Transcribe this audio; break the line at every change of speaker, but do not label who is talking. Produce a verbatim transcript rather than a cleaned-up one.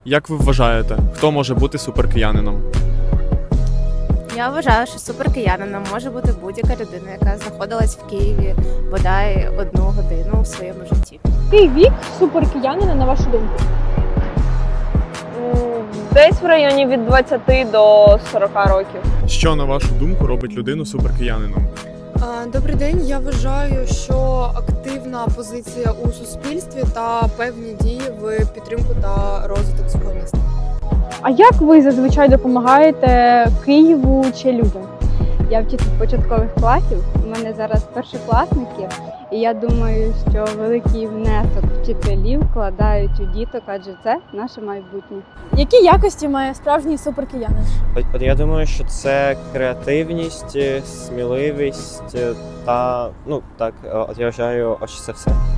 Як ви вважаєте, хто може бути суперкиянином?
Я вважаю, що суперкиянином може бути будь-яка людина, яка знаходилась в Києві бодай одну годину у своєму житті.
Який вік суперкиянина, на вашу думку?
М, Десь в районі від двадцяти до сорока років.
Що, на вашу думку, робить людину суперкиянином?
А, Добрий день. Я вважаю, що активна позиція у суспільстві та певні дії в підтримку та розвиток свого міста.
А як ви зазвичай допомагаєте Києву чи людям?
Я вчитель початкових класів, у мене зараз першокласники, і я думаю, що великий внесок вчителів вкладають у діток, адже це наше майбутнє.
Які якості має справжній суперкиянин?
От, от я думаю, що це креативність, сміливість та ну так, от я вважаю, ось це все.